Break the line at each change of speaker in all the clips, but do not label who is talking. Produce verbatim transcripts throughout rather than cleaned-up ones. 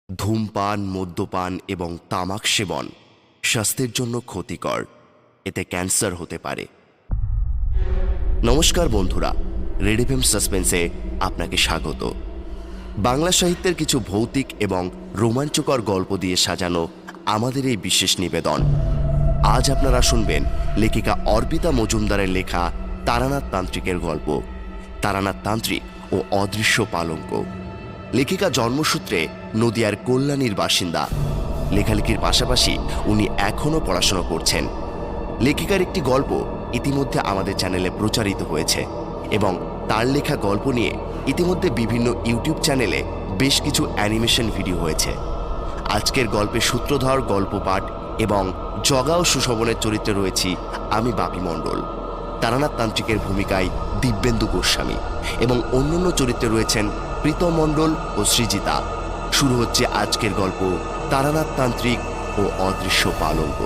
ধূমপান, মদ্যপান এবং তামাক সেবন স্বাস্থ্যের জন্য ক্ষতিকর। এতে ক্যান্সার হতে পারে। নমস্কার বন্ধুরা, রেড এফএম সাসপেন্সে আপনাকে স্বাগত। বাংলা সাহিত্যের কিছু ভৌতিক এবং রোমাঞ্চকর গল্প দিয়ে সাজানো আমাদের এই বিশেষ নিবেদন। আজ আপনারা শুনবেন লেখিকা অর্পিতা মজুমদারের লেখা তারানাথ তান্ত্রিকের গল্প, তারানাথ তান্ত্রিক ও অদৃশ্য পালঙ্ক। লেখিকা জন্মসূত্রে নদিয়ার কল্যাণীর বাসিন্দা। লেখালেখির পাশাপাশি উনি এখনও পড়াশোনা করছেন। লেখিকার একটি গল্প ইতিমধ্যে আমাদের চ্যানেলে প্রচারিত হয়েছে এবং তার লেখা গল্প নিয়ে ইতিমধ্যে বিভিন্ন ইউটিউব চ্যানেলে বেশ কিছু অ্যানিমেশন ভিডিও হয়েছে। আজকের গল্পের সূত্রধর, গল্প পাঠ এবং জগা ও সুশোভনের চরিত্রে রয়েছি আমি বাপি মণ্ডল। তারানাথ তান্ত্রিকের ভূমিকায় দিব্যেন্দু গোস্বামী এবং অন্যান্য চরিত্রে রয়েছেন প্রীতম মণ্ডল ও সৃজিতা। শুরু হচ্ছে আজকের গল্প তারানাথ তান্ত্রিক ও অদৃশ্য পালঙ্ক।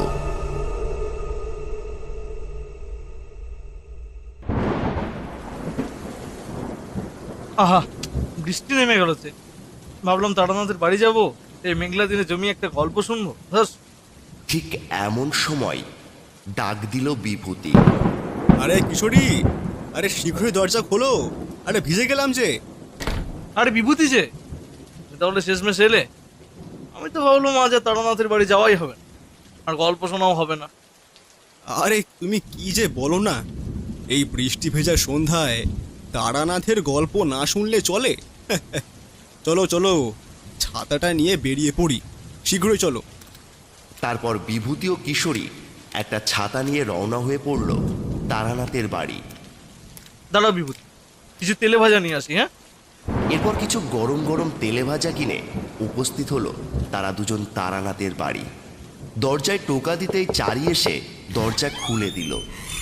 আহা, বৃষ্টি নেমে গেলছে। ভাবলাম তারানাথের বাড়ি যাব, এই মেঘলা দিনে জমি একটা গল্প শুনবো। ধস।
ঠিক এমন সময় ডাক দিল বিভূতি।
আরে কিশোরী, আরে শীঘ্রই দরজা খোলো, আরে ভিজে গেলাম যে।
আরে বিভূতি যে, তাহলে শেষমেশ এলে। আমি তো ভাবলাম আজ আর তারানাথের বাড়ি যাওয়াই হবে না, আর গল্প শোনাও হবে না।
আরে তুমি কি যে বলো না, এই বৃষ্টি ভেজা সন্ধ্যায় তারানাথের গল্প না শুনলে চলে? চলো চলো, ছাতাটা নিয়ে বেরিয়ে পড়ি, শীঘ্রই চলো।
তারপর বিভূতি ও কিশোরী একটা ছাতা নিয়ে রওনা হয়ে পড়ল তারানাথের বাড়ি।
দাঁড়াও বিভূতি, কিছু তেলে ভাজা নিয়ে আসি। হ্যাঁ,
এরপর কিছু গরম গরম তেলে ভাজা কিনে উপস্থিত হলো তারা দুজন তারানাথের বাড়ি। দরজায় টোকা দিতেই চারি এসে দরজা খুলে দিল।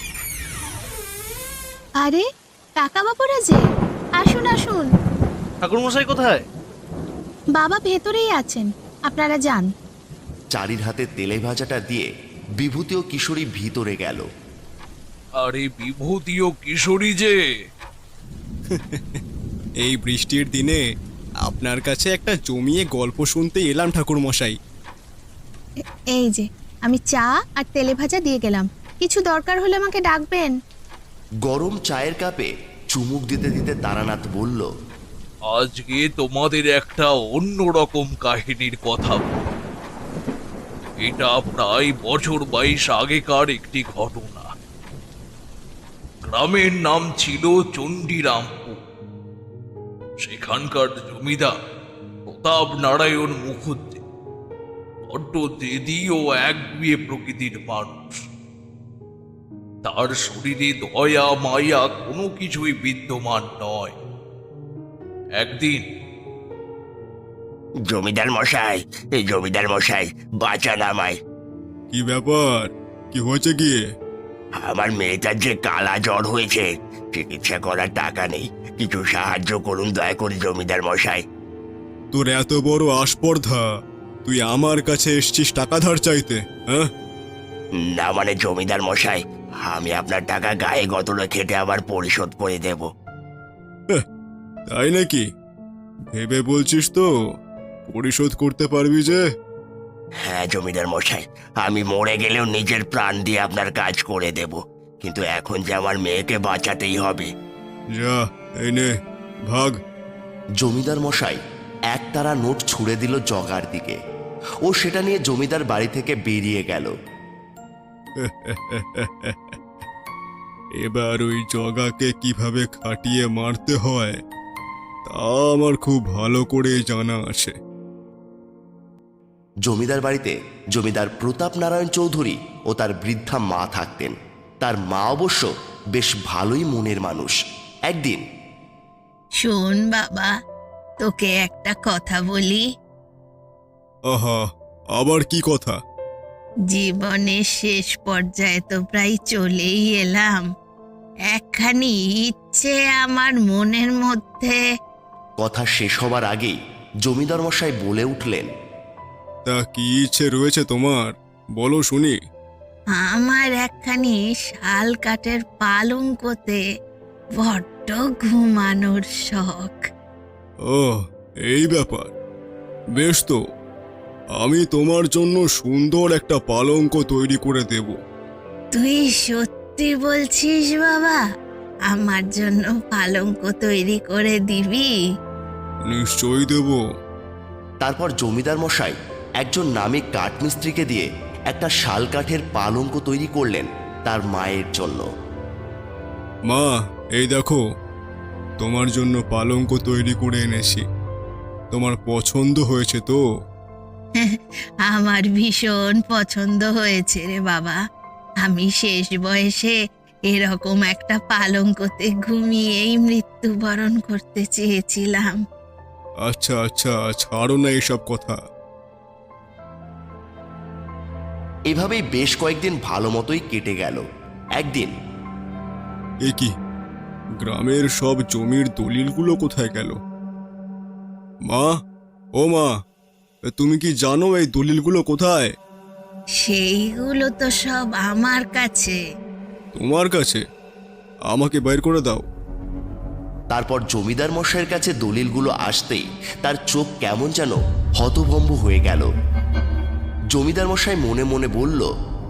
আরে কাকা বাবুরা যে, আসুন আসুন।
ঠাকুরমশাই কোথায়?
বাবা ভেতরেই আছেন, আপনারা যান।
চারির হাতে তেলে ভাজাটা দিয়ে বিভূতি ও কিশোরী ভিতরে গেল।
আরে বিভূতি ও কিশোরী যে,
এই বৃষ্টির দিনে আপনার কাছে একটা জমিয়ে গল্প শুনতে এলাম ঠাকুর মশাই।
এ- এই যে আমি চা আর তেলে ভাজা দিয়ে গেলাম, কিছু দরকার হলে আমাকে ডাকবেন।
গরম চায়ের কাপে চুমুক দিতে দিতে তারানাথ বলল,
আজকে তোমাদের একটা অন্যরকম কাহিনীর কথা বলবো। এটা প্রায় বছর বাইশ আগেকার একটি ঘটনা। গ্রামের নাম ছিল চণ্ডীরামপুর। সেখানকার জমিদার প্রতাপ নারায়ণ মুখুজ্জে বড্ড জেদি ও একগুঁয়ে প্রকৃতির মানুষ। তার শরীরে দয়া মায়া কোনো কিছুই বিদ্যমান নয়। একদিন
জমিদার মশাই, এই জমিদার মশাই বাঁচান আমায়।
কি ব্যাপার, কি হয়েছে গিয়ে?
আমার মেয়েটার যে কালা জ্বর হয়েছে, চিকিৎসা করার টাকা নেই, কিছু সাহায্য করুন দয়া করে জমিদার মশাই।
তোর এত বড় আস্পর্ধা, তুই আমার কাছে এসছিস টাকা ধার চাইতে? হ্যাঁ,
না মানে জমিদার মশাই, আমি আপনার টাকা গায়ে গতরে খেটে আবার পরিশোধ করে দেব।
তাই নাকি? ভেবে বলছিস তো পরিশোধ করতে পারবি যে?
হ্যাঁ জমিদার মশাই, আমি মরে গেলেও নিজের প্রাণ দিয়ে আপনার কাজ করে দেব, কিন্তু এখন যে আমার মেয়েকে বাঁচাতেই হবে।
যা, এই নে, ভাগ।
জমিদার মশাই একতারা নোট ছুঁড়ে দিল জগার দিকে। ও সেটা নিয়ে জমিদার বাড়ি থেকে বেরিয়ে গেল।
এবার ওই জগাকে কিভাবে খাটিয়ে মারতে হয় তা আমার খুব ভালো করে জানা আছে।
জমিদার বাড়িতে জমিদার প্রতাপ নারায়ণ চৌধুরী ও তার বৃদ্ধা মা থাকতেন। তার মা অবশ্য বেশ ভালোই মনের মানুষ। একদিন,
শোন বাবা, তোকে একটা কথা বলি।
আহা, আবার কি কথা?
জীবনের শেষ পর্যায়ে তো প্রায় চলেই এলাম। একখানি ইচ্ছে আমার মনের মধ্যে।
কথা শেষ হবার আগেই জমিদার মশাই বলে উঠলেন,
তা কি ইচ্ছে রয়েছে তোমার, বলো শুনি।
আমার একখানি শাল কাঠের পালঙ্কতে বড্ড ঘুমানোর শখ।
ও, এই ব্যাপার। বেশ তো, আমি তোমার জন্য সুন্দর একটা পালঙ্ক তৈরি করে দেব।
তুই সত্যি বলছিস বাবা? আমার জন্য পালঙ্ক তৈরি করে দিবি?
নিশ্চয়ই দেব।
তারপর জমিদার মশাই একজন নামী কাঠমিস্ত্রিকে দিয়ে একটা শাল কাঠের পালঙ্ক তৈরি করলেন তার মায়ের জন্য।
মা, এই দেখো, তোমার জন্য পালঙ্ক তৈরি করে এনেছি। তোমার পছন্দ হয়েছে তো?
আমার ভীষণ পছন্দ হয়েছে রে বাবা। আমি শেষ বয়সে এরকম একটা পালঙ্কতে ঘুমিয়েই মৃত্যুবরণ করতে চেয়েছিলাম।
আচ্ছা আচ্ছা, ছাড়ো না এসব কথা।
এভাবেই বেশ কয়েকদিন ভালো মতোই কেটে গেল। একদিন
এ কি, গ্রামের সব জমির দলিলগুলো কোথায় গেল? মা, ও মা, তুমি কি জানো এই দলিলগুলো কোথায়?
সেইগুলো তো সব আমার কাছে।
তোমার কাছে? আমাকে বের করে দাও।
তারপর জমিদার মশাইয়ের কাছে দলিলগুলো আসতেই তার চোখ কেমন যেন হতভম্ব হয়ে গেল। জমিদার মশাই মনে মনে বলল,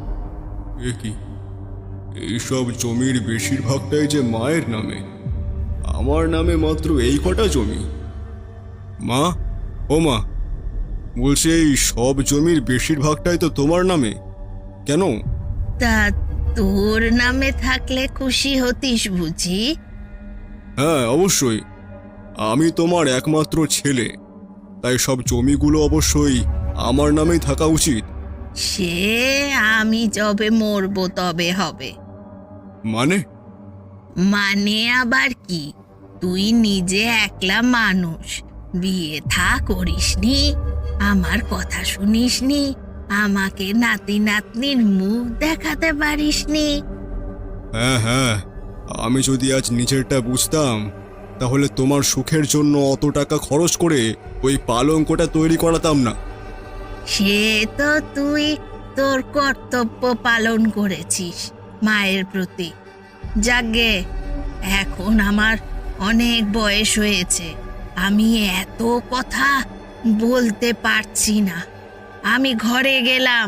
এ কি, এইসব জমির বেশিরভাগটাই যে মায়ের নামে, আমার নামে মাত্র এই কটা জমি। মা, ও মা, বলছে এই সব জমির বেশিরভাগটাই তো তোমার নামে, কেন?
তা তোর নামে থাকলে খুশি হতিস বুঝি?
হ্যাঁ, অবশ্যই। আমি তোমার একমাত্র ছেলে, তাই সব জমিগুলো অবশ্যই আমার নামেই থাকা উচিত।
সে আমি যবে মরবো তবে হবে।
মানে?
মানে আবার কি, তুই নিজে একলা মানুষ, বিয়ে থা করিসনি, আমার কথা শুনিসনি, আমাকে নাতি নাতনির মুখ দেখাতে পারিসনি।
হ্যাঁ হ্যাঁ, আমি যদি আজ নিজেরটা বুঝতাম তাহলে তোমার সুখের জন্য অত টাকা খরচ করে ওই পালঙ্কটা তৈরি করাতাম না।
সে তো তুই তোর কর্তব্য পালন করেছিস মায়ের প্রতি। যাগে, এখন আমার অনেক বয়স হয়েছে, আমি এত কথা বলতে পারছি না, আমি ঘরে গেলাম।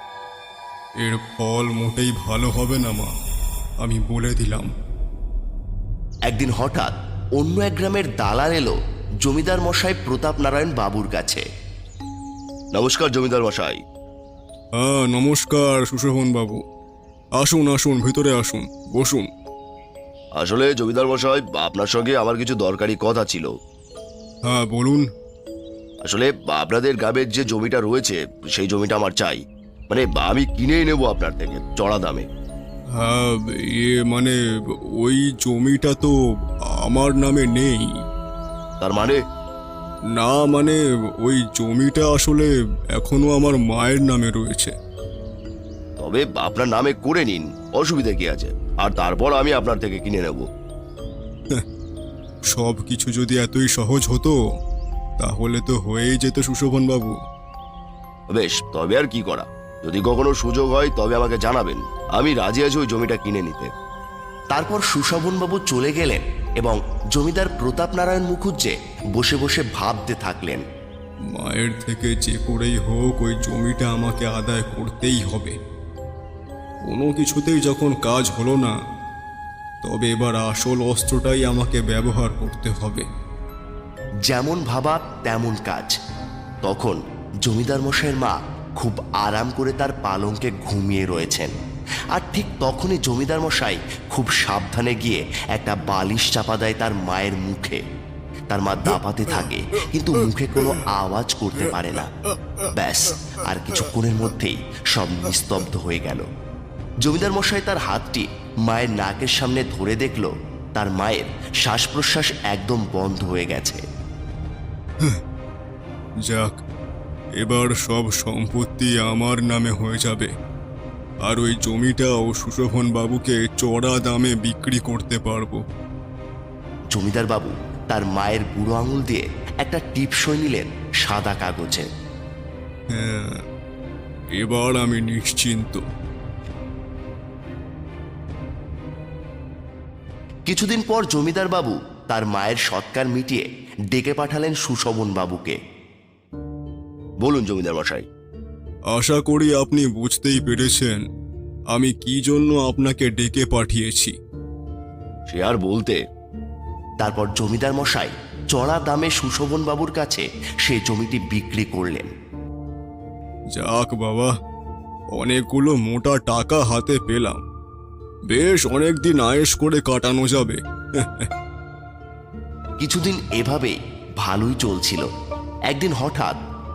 এর ফল মোটেই ভালো হবে না মা, আমি বলে দিলাম।
একদিন হঠাৎ অন্য এক গ্রামের দালাল এলো জমিদার মশাই প্রতাপ নারায়ণ বাবুর কাছে। নমস্কার জমিদার মশাই।
হ্যাঁ, নমস্কার সুশোভন বাবু। আসুন আসুন, ভিতরে আসুন, বসুন।
আসলে জমিদার মশাই, আপনার সঙ্গে আমার কিছু দরকারি কথা ছিল।
হ্যাঁ বলুন।
আসলে আপনাদের গ্রামের যে জমিটা রয়েছে সেই জমিটা আমার চাই, মানে আমি কিনেই নেব আপনার থেকে চড়া দামে।
হ্যাঁ, ইয়ে মানে ওই জমিটা তো আমার নামে নেই।
তার মানে?
না মানে ওই জমিটা আসলে এখনো আমার মায়ের নামে রয়েছে।
তবে আপনার নামে করে নিন, অসুবিধা কি আছে, আর তারপর আমি আপনার থেকে কিনে নেব।
সব কিছু যদি এতই সহজ হতো তাহলে তো হয়েই যেত সুশোভন বাবু।
বেশ, তবে আর কি করা, যদি কখনো সুযোগ হয় তবে আমাকে জানাবেন, আমি রাজি আছি ওই জমিটা কিনে নিতে। তারপর সুশোভনবাবু চলে গেলেন এবং জমিদার প্রতাপ নারায়ণ মুখুজ্জে বসে বসে ভাবতে থাকলেন।
মায়ের থেকে যে করেই হোক ওই জমিটা আমাকে আদায় করতেই হবে। কোনো কিছুতেই যখন কাজ হলো না, তবে এবার আসল অস্ত্রটাই আমাকে ব্যবহার করতে হবে।
যেমন ভাবা তেমন কাজ। তখন জমিদার মশাইয়ের মা খুব আরাম করে তার পালঙ্কে ঘুমিয়ে রয়েছেন, আর ঠিক তখনই জমিদার মশাই খুব সাবধানে গিয়ে একটা বালিশ চাপা দেয় তার মায়ের মুখে। তার মা দাপাতে থাকে কিন্তু মুখে কোনো আওয়াজ করতে পারে না। ব্যাস, আর কিছুক্ষণের মধ্যেই সব নিস্তব্ধ হয়ে গেল। জমিদার মশাই তার হাতটি মায়ের নাকের সামনে ধরে দেখল তার মায়ের শ্বাস প্রশ্বাস একদম বন্ধ হয়ে গেছে।
যাক, এবার সব সম্পত্তি আমার নামে হয়ে যাবে, আর ওই জমিটাও সুশোভন বাবুকে চড়া দামে বিক্রি করতে পারবো।
জমিদার বাবু তার মায়ের বুড়ো আঙুল দিয়ে একটা টিপসই নিলেন সাদা কাগজে।
হ্যাঁ, এবার আমি নিশ্চিন্ত।
কিছুদিন পর জমিদার বাবু তার মায়ের সৎকার মিটিয়ে ডেকে পাঠালেন সুশোভন বাবুকে। বলুন জমিদার মশাই।
আশা করি আপনি বুঝতেই পেরেছেন আমি কি জন্য আপনাকে ডেকে পাঠিয়েছি।
সে আর বলতে। তারপর জমিদার মশাই চড়া দামে সুশোভন বাবুর কাছে সে জমিটি বিক্রি করলেন।
যাক বাবা, অনেকগুলো মোটা টাকা হাতে পেলাম, বেশ অনেকদিন আয়েশ করে কাটানো যাবে।
কিছুদিন এভাবে ভালোই চলছিল। একদিন হঠাৎ,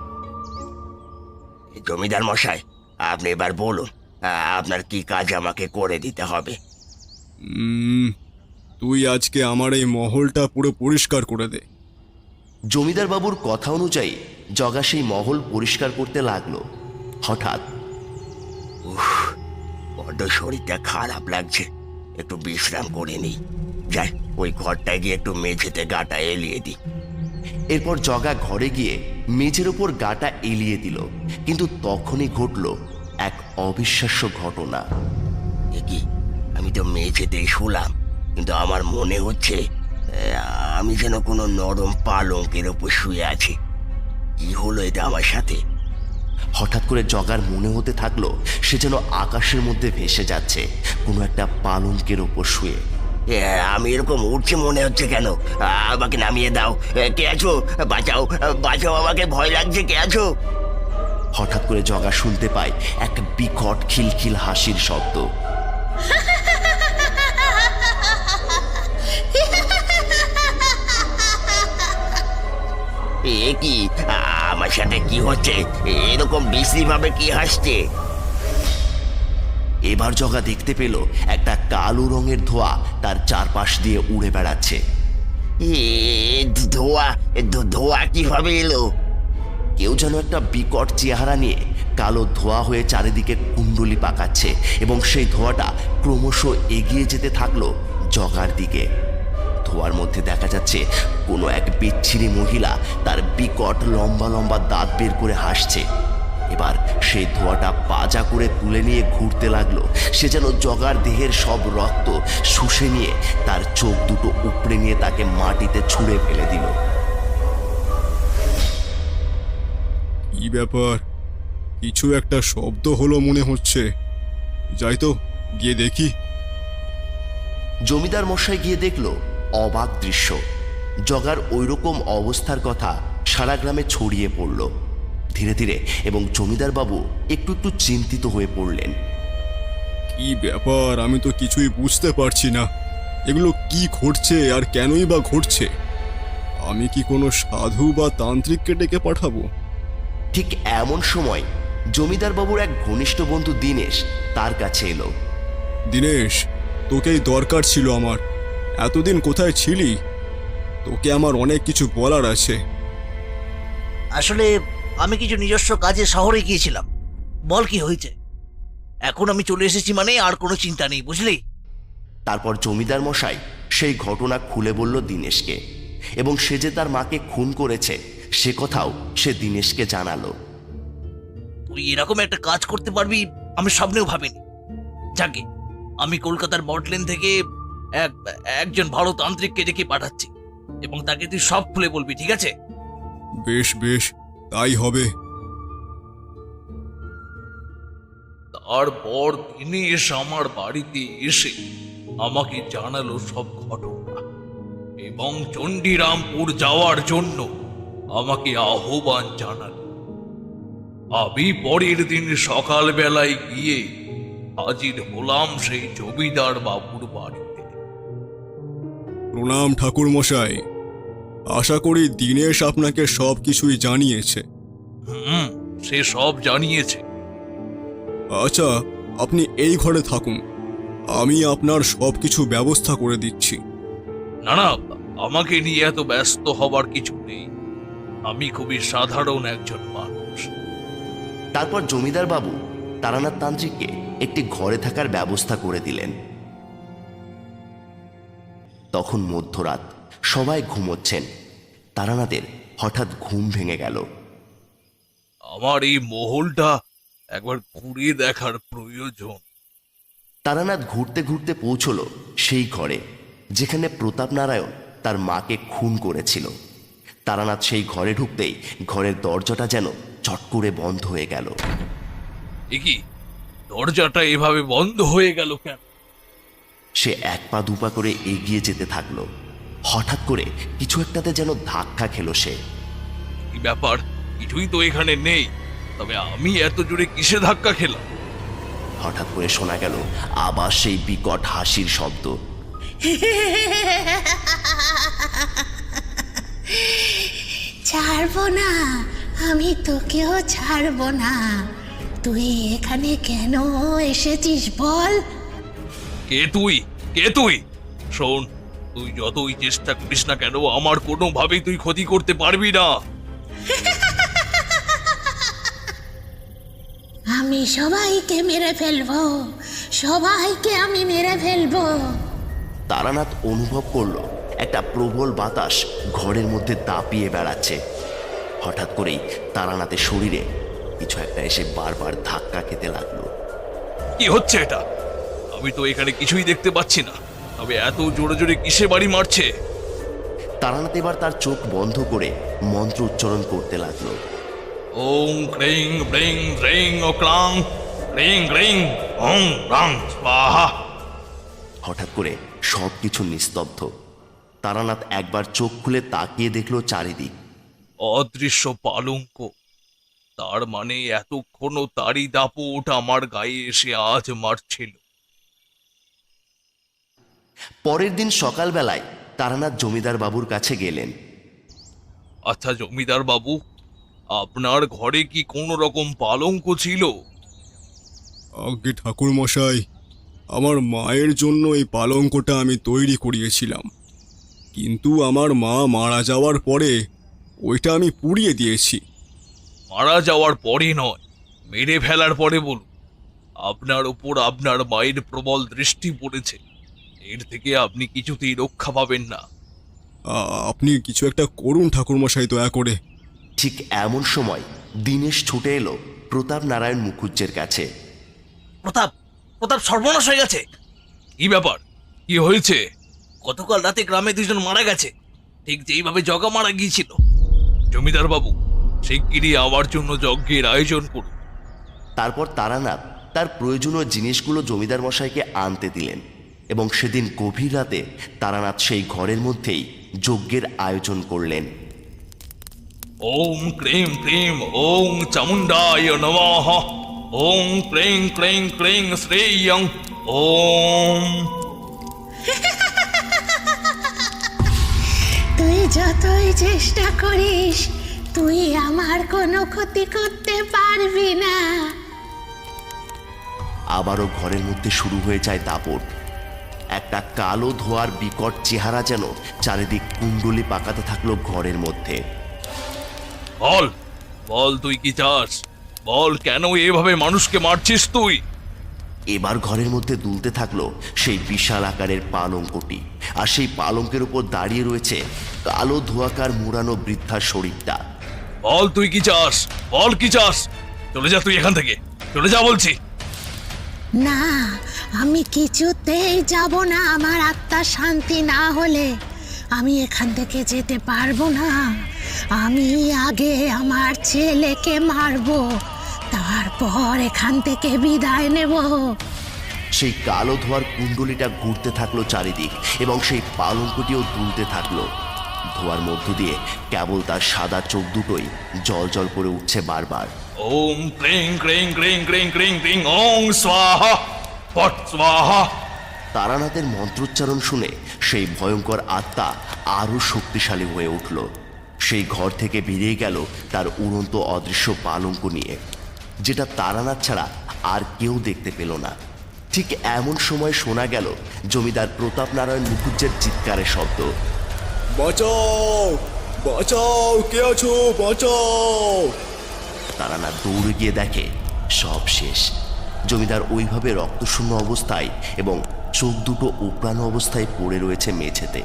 জমিদার মশাই, আপনি এবার বলুন আপনার কি কাজ আমাকে করে দিতে হবে।
উম, তুই আজকে আমার এই মহলটা পুরো পরিষ্কার করে দে।
জমিদার বাবুর কথা অনুযায়ী জগা সেই মহল পরিষ্কার করতে লাগলো। হঠাৎ, উফ, বড্ড শরীরটা খারাপ লাগছে, একটু বিশ্রাম করে নিই। যাই, ওই ঘরটায় গিয়ে একটু মেঝেতে গাটা এলিয়ে দিই। এরপর জগা ঘরে গিয়ে মেঝের ওপর গাটা এলিয়ে দিল। কিন্তু তখনই ঘটল এক অবিশ্বাস্য ঘটনা। এ কি, আমি তো মেঝেতেই শুলাম, কিন্তু আমার মনে হচ্ছে আমি যেন কোনো নরম পালঙ্কের ওপর শুয়ে আছি। কি হলো এটা আমার সাথে? হঠাৎ করে জগার মনে হতে থাকলো সে যেন আকাশের মধ্যে ভেসে যাচ্ছে, কোনো একটা পালঙ্কের ওপর শুয়ে। আমি এরকম উঠছে মনে হচ্ছে কেন? আমাকে নামিয়ে দাও। কে আছো? বাঁচাও, বাঁচাও, আমাকে ভয় লাগছে, কে আছো? হঠাৎ করে জগা শুনতে পায় এক বিকট খিলখিল হাসির শব্দ। এ কি, আমার সাথে কি হচ্ছে? এরকম বিশ্রী ভাবে কি হাসছে? এবার জগা দেখতে পেল একটা কালো রঙের ধোঁয়া তার চারপাশ দিয়ে উড়ে বেড়াচ্ছে। ধোঁয়া ধোঁয়া কিভাবে এলো? কেউ যেন একটা বিকট চেহারা নিয়ে কালো ধোঁয়া হয়ে চারিদিকে কুণ্ডলি পাকাচ্ছে এবং সেই ধোঁয়াটা ক্রমশ এগিয়ে যেতে থাকলো জগার দিকে। ধোঁয়ার মধ্যে দেখা যাচ্ছে কোনো এক বিচ্ছিরি মহিলা তার বিকট লম্বা লম্বা দাঁত বের করে হাসছে। এবার সেই ধোঁয়াটা পাজা করে তুলে নিয়ে ঘুরতে লাগলো। সে যেন জগার দেহের সব রক্ত শুষে নিয়ে তার চোখ দুটো উপড়ে নিয়ে তাকে মাটিতে ছুঁড়ে ফেলে দিল।
কি ব্যাপার, কিছু একটা শব্দ হলো মনে হচ্ছে, যাই তো গিয়ে দেখি।
জমিদার মশাই গিয়ে দেখলো অবাক দৃশ্য। জগার ওইরকম অবস্থার কথা সারা গ্রামে ছড়িয়ে পড়ল ধীরে ধীরে, এবং জমিদার বাবু একটু একটু চিন্তিত হয়ে পড়লেন।
কি ব্যাপার, আমি তো কিছুই বুঝতে পারছি না, এগুলো কি ঘটছে আর কেনই বা ঘটছে? আমি কি কোনো সাধু বা তান্ত্রিককে ডেকে পাঠাবো?
ঠিক এমন সময় জমিদার বাবুর এক ঘনিষ্ঠ বন্ধু দীনেশ তার কাছে এলো।
দীনেশ, তোকেই দরকার ছিল আমার। এতদিন কোথায় ছিলি? তোকে আমার অনেক কিছু বলার আছে।
আসলে আমি কিছু নিজস্ব কাজে শহরে গিয়েছিলাম। বল কি হয়েছে? এখন আমি চলে এসেছি মানে আর কোনো চিন্তা নেই, বুঝলি?
তারপর জমিদার মশাই সেই ঘটনা খুলে বলল দীনেশকে, এবং সে যে তার মাকে খুন করেছে সে কথাও সে দীনেশকে জানালো।
তুই এরকম একটা কাজ করতে পারবি আমি স্বপ্নেও ভাবিনি। যাকে আমি কলকাতার বটলেন থেকে এক একজন ভালো তান্ত্রিককে ডেকে পাঠাচ্ছি, এবং তাকে তুই সব খুলে বলবি, ঠিক আছে?
বেশ বেশ, তাই হবে।
তারপর দিনেশ আমার বাড়িতে এসে আমাকে জানালো সব ঘটনা এবং চণ্ডীরামপুর যাওয়ার জন্য আমাকে আহ্বান জানালো। আমি পরের দিন সকালবেলায় গিয়ে হাজির হলাম সেই জমিদার বাবুর বাড়িতে।
প্রণাম ঠাকুর মশাই, আশা করি দীনেশ আপনাকে সব কিছুই জানিয়েছে।
হুম, সে সব জানিয়েছে।
আচ্ছা, আপনি এই ঘরে থাকুন, আমি আপনার সব কিছু ব্যবস্থা করে দিচ্ছি।
না না, আমাকে নিয়ে এত ব্যস্ত হবার কিছু নেই, আমি খুবই সাধারণ একজন মানুষ।
তারপর জমিদার বাবু তারানাথ তান্ত্রিককে একটি ঘরে থাকার ব্যবস্থা করে দিলেন। তখন মধ্যরাত, সবাই ঘুমোচ্ছেন। তারানাথের হঠাৎ ঘুম ভেঙে গেল।
আমার এই মহলটা একবার ঘুরে দেখার প্রয়োজন।
তারানাথ ঘুরতে ঘুরতে পৌঁছল সেই ঘরে যেখানে প্রতাপ নারায়ণ তার মাকে খুন করেছিল। তারানাথ সেই ঘরে ঢুকতেই ঘরের দরজাটা যেন চট করে বন্ধ হয়ে গেল।
এ কি, দরজাটা এভাবে বন্ধ হয়ে গেল কেন?
সে এক পা দুপা করে এগিয়ে যেতে থাকলো। হঠাৎ করে কিছু একটাতে যেন ধাক্কা খেলো সে।
কি ব্যাপার, কিছুই তো এখানে নেই, তবে আমি এত জোরে কিসে ধাক্কা খেলাম?
হঠাৎ করে শোনা গেল আবার সেই বিকট হাসির শব্দ।
ছাড়বো না, আমি তোকেও ছাড়বো না। তুই এখানে কেন এসেছিস বল?
কে তুই? কে তুই? শোন, তুই যতই চেষ্টা করিস না কেন, আমার কোনোভাবেই তুই ক্ষতি করতে পারবি না।
আমি সবাইকে মেরে ফেলবো, সবাইকে আমি মেরে ফেলবো।
তারানাথ অনুভব করলো একটা প্রবল বাতাস ঘরের মধ্যে দাপিয়ে বেড়াচ্ছে। হঠাৎ করেই তারানাথের শরীরে কিছু একটা এসে বারবার ধাক্কা খেতে লাগলো।
কি হচ্ছে এটা? আমি তো এখানে কিছুই দেখতে পাচ্ছি না, তবে এত জোরে জোরে কিসে বাড়ি মারছে?
তারানাথ এবার তার চোখ বন্ধ করে মন্ত্র উচ্চারণ করতে লাগলো।
ওং ক্রিং ব্রিং রিং ও ক্লাং ক্রিং রিং ওং রাং স্বাহা।
হঠাৎ করে সব কিছু নিস্তব্ধ। তারানাথ একবার চোখ খুলে তাকিয়ে দেখলো চারিদিক।
অদৃশ্য পালঙ্ক, তার মানে এতক্ষণও তারই দাপট আমার গায়ে এসে আজ মারছিল।
পরের দিন সকালবেলায় তারানাথ জমিদার বাবুর কাছে গেলেন।
আচ্ছা জমিদার বাবু, আপনার ঘরে কি কোনো রকম পালঙ্ক ছিল?
আগে ঠাকুর মশাই, আমার মায়ের জন্য এই পালঙ্কটা আমি তৈরি করিয়েছিলাম, কিন্তু আমার মা মারা যাওয়ার পরে ওইটা আমি পুড়িয়ে দিয়েছি।
মারা যাওয়ার পরে নয়, মেরে ফেলার পরে বলুন। আপনার ওপর আপনার মায়ের প্রবল দৃষ্টি পড়েছে, এর থেকে আপনি কিছুতেই রক্ষা পাবেন না।
আ- আপনি কিছু একটা করুন ঠাকুর মশাই, দয়া করে।
ঠিক এমন সময় দিনেশ ছুটে এলো প্রতাপ নারায়ণ মুখুজ্জের কাছে।
প্রতাপ, প্রতাপ সর্বনাশ হয়ে গেছে।
কি ব্যাপার, কি হয়েছে?
গতকাল রাতে গ্রামে দুজন মারা গেছে, ঠিক যেইভাবে জগা মারা গিয়েছিল।
জমিদার বাবু, শিগগিরই আমার জন্য যজ্ঞের আয়োজন করুন।
তারপর তারানাথ তার প্রয়োজনীয় জিনিসগুলো জমিদার মশাইকে আনতে দিলেন এবং সেদিন গভীর রাতে তারানাথ সেই ঘরের মধ্যেই যজ্ঞের আয়োজন করলেন।
ওম ক্রিং ক্রিং ওং চামুণ্ডায় নমঃ। ওং ক্রিং ক্রিং ক্রিং শ্রেয়ং ওম।
তুই যতই চেষ্টা করিস, তুই আমার কোনো ক্ষতি করতে পারবি না।
আবারও ঘরের মধ্যে শুরু হয়ে যায় দাপট। একটা কালো ধোয়ার বিকট চেহারা যেন চারিদিক কুণ্ডলি পাকাতে থাকলো ঘরের মধ্যে।
বল, বল তুই কি চাস? বল, কেন এভাবে মানুষকে মারছিস তুই?
এবার ঘরের মধ্যে দুলতে থাকলো সেই বিশাল আকারের পালঙ্কটি, আর সেই পালঙ্কের উপর দাঁড়িয়ে রয়েছে কালো ধোঁয়াকার মুড়ানো বৃদ্ধার শরীরটা।
বল তুই কি চাস? বল কি চাস? চলে যা তুই এখান থেকে, চলে যা বলছি।
না, আমি কিছুতেই যাব না। আমার আত্মা শান্তি না হলে আমি এখান থেকে যেতে পারবো না। আমি আগে আমার ছেলেকে মারবো, তারপর এখান থেকে বিদায় নেব।
সেই কালো ধোঁয়ার কুণ্ডলিটা ঘুরতে থাকলো চারিদিক এবং সেই পালঙ্কটিও দুলতে থাকলো। ধোঁয়ার মধ্য দিয়ে কেবল তার সাদা চোখ দুটোই জল জল করে উঠছে বারবার।
ওম ক্রিং ক্রিং ক্রিং ক্রিং ক্রিং ক্রিং ওং স্বাহা ফট স্বাহা।
তারানাথের মন্ত্রোচ্চারণ শুনে সেই ভয়ঙ্কর আত্মা আরো শক্তিশালী হয়ে উঠল। সেই ঘর থেকে বেরিয়ে গেল তার উড়ন্ত অদৃশ্য পালঙ্ক নিয়ে, যেটা তারানাথ ছাড়া আর কেউ দেখতে পেল না। ঠিক এমন সময় শোনা গেল জমিদার প্রতাপ নারায়ণ মুখুজ্জের চিৎকারের শব্দ।
বাঁচাও, বাঁচাও, কে আছো, বাঁচাও।
তারানাথ দৌড়ে গিয়ে দেখে সব শেষ। জমিদার ওইভাবে রক্তশূন্য অবস্থায় এবং চোখ দুটো উপড়ানো অবস্থায় পড়ে রয়েছে মেঝেতে।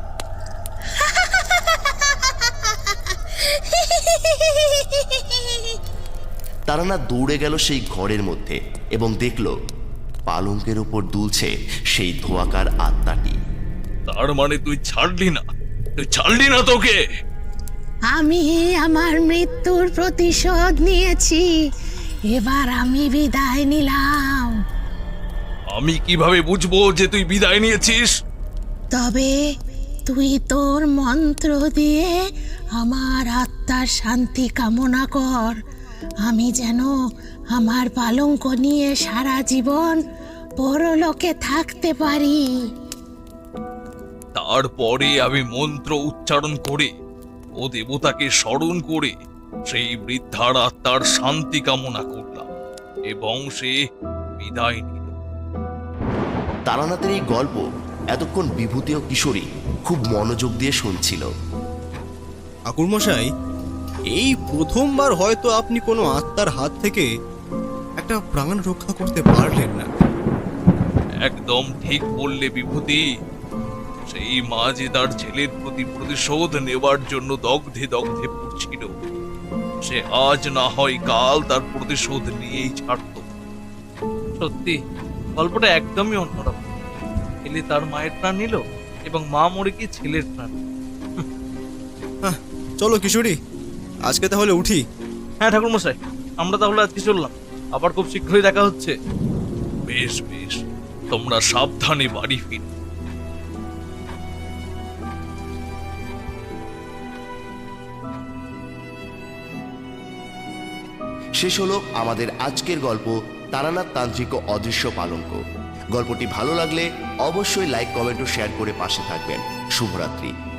তারানাথ দৌড়ে গেল সেই ঘরের মধ্যে এবং দেখল পালঙ্কের উপর দুলছে সেই ধোঁয়াকার আত্মাটি।
তার মানে তুই ছাড়লি না, তুই ছাড়লি না তোকে।
আমি আমার মৃত্যুর প্রতিশোধ নিয়েছি, এবার আমি বিদায় নিলাম।
আমি কিভাবে বুঝবো যে তুই বিদায় নিয়েছিস?
তবে তুই তোর মন্ত্র দিয়ে আমার আত্মার শান্তি কামনা কর, আমি যেন আমার পালঙ্ক নিয়ে সারা জীবন পরলোকে থাকতে পারি।
তারপরে আমি মন্ত্র উচ্চারণ করে ও দেবতাকে স্মরণ করে সেই বৃদ্ধার আত্মার শান্তি কামনা করলাম এবং সে বিদায় নিল।
তারানাথের এই গল্প এতক্ষণ বিভূতি ও কিশোরী খুব মনোযোগ দিয়ে শুনছিল।
ঠাকুরমশাই, এই প্রথমবার হয়তো আপনি কোনো আত্মার হাত থেকে একটা প্রাণ রক্ষা করতে পারলেন না।
একদম ঠিক বললে বিভূতি। সেই মা যে তার ছেলের প্রতি প্রতিশোধ নেবার জন্য দগ্ধে দগ্ধে পড়ছিল, সে আজ না হয় কাল তার প্রতিশোধ নিয়েই ছাড়ত।
সত্যি গল্পটা একদমই অন্যরকম। ছেলে তার মায়ের প্রাণ নিল এবং মা মরে গিয়ে ছেলের প্রাণ।
হ্যাঁ, চলো কিশোরী, আজকে তাহলে উঠি।
হ্যাঁ ঠাকুরমশাই, আমরা তাহলে আজকে চললাম, আবার খুব শীঘ্রই দেখা হচ্ছে।
বেশ বেশ, তোমরা সাবধানে বাড়ি ফিরো।
শেষ হলো আমাদের আজকের গল্প তারানাথ তান্ত্রিক ও অদৃশ্য পালঙ্ক। গল্পটি ভালো লাগলে অবশ্যই লাইক, কমেন্ট ও শেয়ার করে পাশে থাকবেন। শুভরাত্রি।